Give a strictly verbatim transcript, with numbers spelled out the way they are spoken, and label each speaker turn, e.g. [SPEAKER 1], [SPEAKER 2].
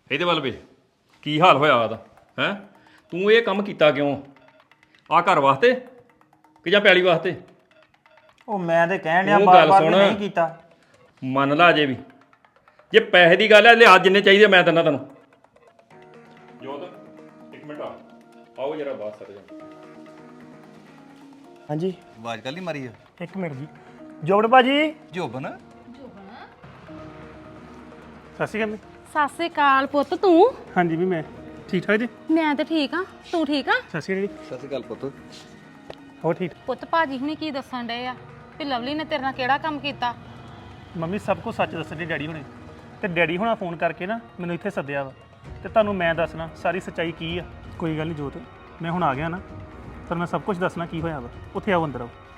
[SPEAKER 1] ਇਹਦੇ ਵੱਲ ਵੇ ਕੀ ਹਾਲ ਹੋਇਆ ਉਹਦਾ ਹੈ ਤੂੰ ਇਹ ਕੰਮ ਕੀਤਾ ਕਿਉਂ ਆ ਘਰ ਵਾਸਤੇ ਕਿ ਜਾਂ ਪੈਲੀ ਵਾਸਤੇ
[SPEAKER 2] ਉਹ ਮੈਂ ਤੇ ਕਹਿਣ ਡਿਆ
[SPEAKER 1] ਉਹ
[SPEAKER 2] ਬਾਰ
[SPEAKER 1] ਗੱਲ
[SPEAKER 2] ਬਾਰ
[SPEAKER 1] ਸੁਣ।
[SPEAKER 2] ਨਹੀਂ ਕੀਤਾ
[SPEAKER 1] ਮੰਨ ਲਾ ਅਜੇ ਵੀ ਜੇ ਪੈਸੇ ਦੀ ਗੱਲ ਹੈ ਲਿਆ ਜਿੰਨੇ ਚਾਹੀਦੇ ਮੈਂ ਦਿੰਦਾ ਤੈਨੂੰ ਜੋਤ ਇੱਕ ਮਿੰਟ ਆ ਆਓ ਜਰਾ ਬਾਤ ਕਰ ਜਾ
[SPEAKER 2] ਹਾਂਜੀ
[SPEAKER 3] ਆਵਾਜ਼ ਕੱਲ ਹੀ ਮਾਰੀ ਆ
[SPEAKER 2] ਇੱਕ ਮਿੰਟ ਜੀ ਜੋਬੜ ਭਾਜੀ
[SPEAKER 3] ਜੋਬਨ
[SPEAKER 2] ਸਤਿ ਸ਼੍ਰੀ ਅਕਾਲ
[SPEAKER 4] ਸਤਿ ਸ੍ਰੀ ਅਕਾਲ ਪੁੱਤ ਤੂੰ
[SPEAKER 2] ਹਾਂਜੀ ਵੀ ਮੈਂ ਠੀਕ ਠਾਕ ਜੀ
[SPEAKER 4] ਮੈਂ ਤੇ ਠੀਕ ਆ ਤੂੰ ਠੀਕ ਆ
[SPEAKER 2] ਸਤਿ ਸ਼੍ਰੀ ਅਕਾਲ ਜੀ
[SPEAKER 3] ਸਤਿ ਸ਼੍ਰੀ ਅਕਾਲ ਪੁੱਤ
[SPEAKER 2] ਹੋਰ ਠੀਕ
[SPEAKER 4] ਪੁੱਤ ਭਾਜੀ ਹੁਣੀ ਕੀ ਦੱਸਣ ਡਏ ਆ ਵੀ ਲਵਲੀ ਨੇ ਤੇਰੇ ਨਾਲ ਕਿਹੜਾ ਕੰਮ ਕੀਤਾ
[SPEAKER 2] ਮੰਮੀ ਸਭ ਕੁਝ ਸੱਚ ਦੱਸਣ ਡੈਡੀ ਹੁਣੇ ਤੇ ਡੈਡੀ ਹੁਣਾ ਫੋਨ ਕਰਕੇ ਨਾ ਮੈਨੂੰ ਇੱਥੇ ਸੱਦਿਆ ਵਾ ਤੇ ਤੁਹਾਨੂੰ ਮੈਂ ਦੱਸਣਾ ਸਾਰੀ ਸੱਚਾਈ ਕੀ ਆ ਕੋਈ ਗੱਲ ਨਹੀਂ ਜੋਤ ਮੈਂ ਹੁਣ ਆ ਗਿਆ ਨਾ ਪਰ ਮੈਂ ਸਭ ਕੁਝ ਦੱਸਣਾ ਕੀ ਹੋਇਆ ਵਾ ਉੱਥੇ ਆਓ ਅੰਦਰ ਆਓ